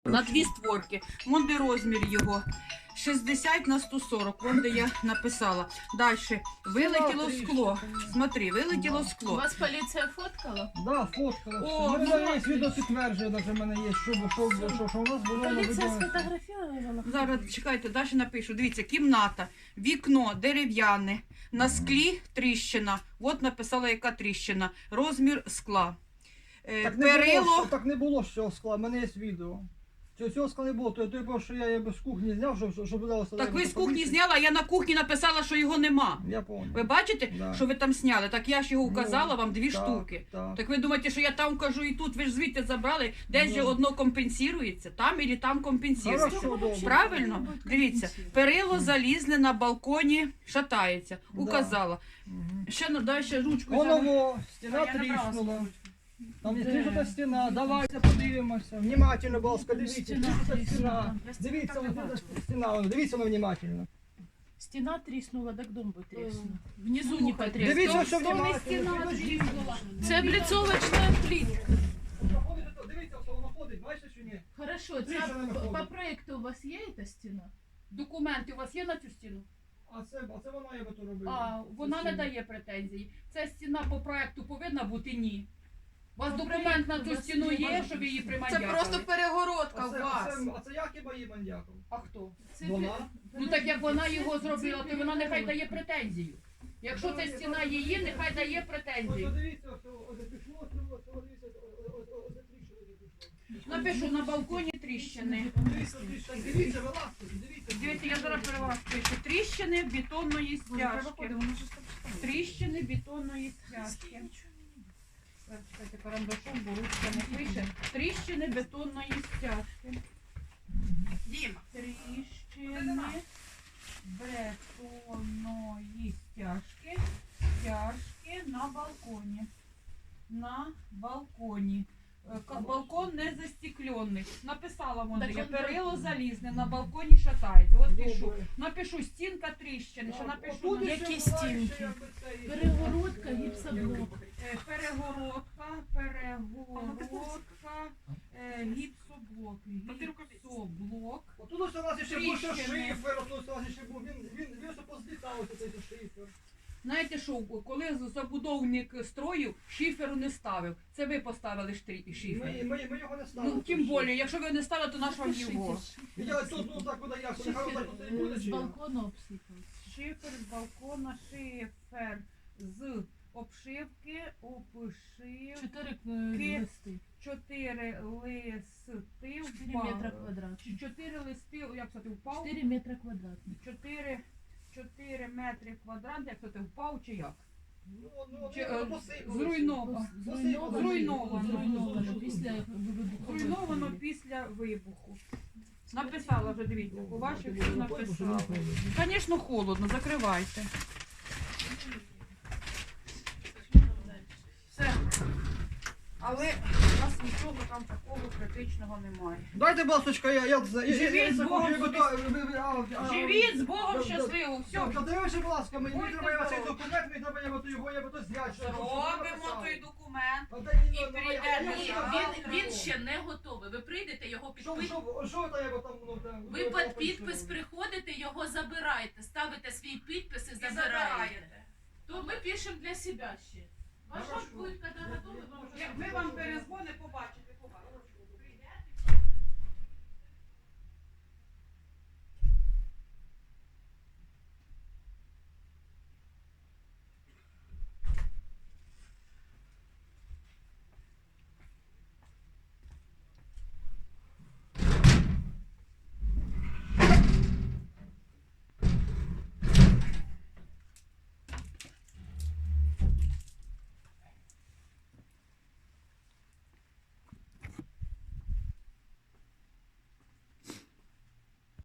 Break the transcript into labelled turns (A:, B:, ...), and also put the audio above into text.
A: на 2 створки. Вон де розмір його. 60 на 140, вон де я написала. Далі. Вилетіло скло. Смотри, вилетіло скло.
B: Вас поліція фоткала?
C: Да, фоткала.
A: О,
C: У мене є відео підтверджує, навіть в мене є, що у нас було на
B: Поліція
C: відео.
B: сфотографувала?
A: Зараз, чекайте, далі напишу. Дивіться, кімната, вікно дерев'яне, на склі тріщина. От написала, яка тріщина. Розмір скла. Перило.
C: Так не було цього скла, в мене є відео. Цього скла не було, то що я з кухні зняв, щоб вдалося.
A: Так ви з кухні зняли, а я на кухні написала, що його нема.
C: Я пам'ятаю.
A: Ви бачите,
C: Да.
A: що ви там зняли? Так я ж його вказала
C: Ну,
A: вам 2
C: так,
A: штуки.
C: так.
A: Так ви думаєте, що я там кажу і тут, ви ж звідти забрали, десь же
C: Ну.
A: одно компенсується, там і там компенсується.
C: Хорошо, добре.
A: Правильно? Дивіться, перило залізне на балконі, шатається.
C: Да.
A: Указала.
C: Мгм.
A: Ще далі ручку. взяла.
C: Воно, стіна
A: Я набрала
C: тріснула.
A: свою
C: Там є
B: Де?
C: трішка стіна, давайте подивимося. Внимательно, будь ласка, дивіться.
B: Стіна
C: Трішка
B: тріснула.
C: стіна. Дивіться, ось тут стіна, дивіться внимательно.
B: Стіна тріснула, так дом би тріснув. Внизу не потріснув.
C: Дивіться, що
A: то не
C: внимательно.
A: стіна тріснула.
B: Це облицовочна плітка.
C: Дивіться, що воно ходить, бачите чи ні?
B: Хорошо,
C: Тріщина не
B: по
C: ходить.
B: проєкту у вас є ця стіна?
A: Документи у вас є на цю стіну?
C: А це вона я би то робила.
A: А, вона не дає претензій. Ця стіна по проекту повинна бути ні. У вас
B: По
A: документ на
B: проекту
A: цю
B: у вас
A: стіну
B: є.
A: є, щоб її
D: Це
A: примандякали?
D: просто перегородка
C: А
D: у
C: це,
D: вас.
C: а це як хіба її мандяков?
A: А хто?
B: Це
C: Вона?
A: Ну так як вона його зробила, то вона нехай дає претензію. Якщо це стіна її, нехай дає
C: Ось
A: претензію.
C: дивіться, ось пішло, дивіться, ось тріщина.
A: Напишу на балконі тріщини.
C: Дивіться, вилазьте, дивіться.
A: Дивіться, я зараз перед вас пишу. Тріщини бетонної стяжки. Тріщини бетонної стяжки. Чекайте, карандашом, бо ручка не пише. Тріщини бетонної стяжки.
D: Діма.
A: Тріщини бетонної стяжки. Стяжки на балконі. На балконі. Балкон не застеклений. Написала вона,
B: Так
A: я
B: он
A: перило
B: так.
A: залізне, на балконі шатається. От пишу.
C: Добре.
A: Напишу стінка тріщини, що напишу.
C: Отут
A: на-
C: ще
B: Які
C: буває,
B: стінки?
C: що якби це і-
B: перегородка, гіпсоблок.
A: Перегородка, гіпсоблок, гіпсоблок.
C: Отут ось у вас ще був ще
A: Тріщини.
C: шифер, отут у вас ще був, він все позлітав, ось цей шифер.
A: Знаєте що, коли забудовник строїв, шиферу не ставив. Це ви поставили шифер.
C: Ми його не ставили.
A: Ну, тим більше, якщо ви не ставили, то наш вам його.
C: Я тут, ну так, куди я, нехай отак оце і буде,
B: З
C: чи як?
B: балкону обсипався.
A: Шифер з балкона, шифер з обшивки, обшивки.
B: 4 листи.
A: 4 листи
B: 4
A: впав.
B: метра квадратних.
A: 4 листи, як це ти впав?
B: 4 метра квадратних.
A: 4 метри квадратних, як це ти впав чи як?
C: Ну,
A: Чи,
C: посипалося.
A: зруйновано. Зруйновано.
B: Зруйновано після вибуху.
A: Зруйновано після вибуху. Написала вже, дивіться, по ваших все написала. Звісно, холодно, закривайте. Все. Але у нас нічого там такого критичного немає.
C: Дайте, басочка,
A: Живіть з Богом
C: Живіть
A: Живіть з Богом щасливо, все.
C: Подивися, будь ласка, мені
A: Будьте
C: треба цей
A: здорові.
C: документ, мені треба його я буду зняти.
A: Робимо той документ.
C: І
A: прийдемо.
B: Він ще не готовий. Ви прийдете, його підпис.
C: Що то я там, ну, там...
B: Ви під підпис приходите, його забираєте, ставите свій підпис і забираєте. То ми пишемо для себе ще. Ваш
C: Хорошо.
B: буде, коли готовий, вам вже
A: Ми вам перезвонимо, побачите.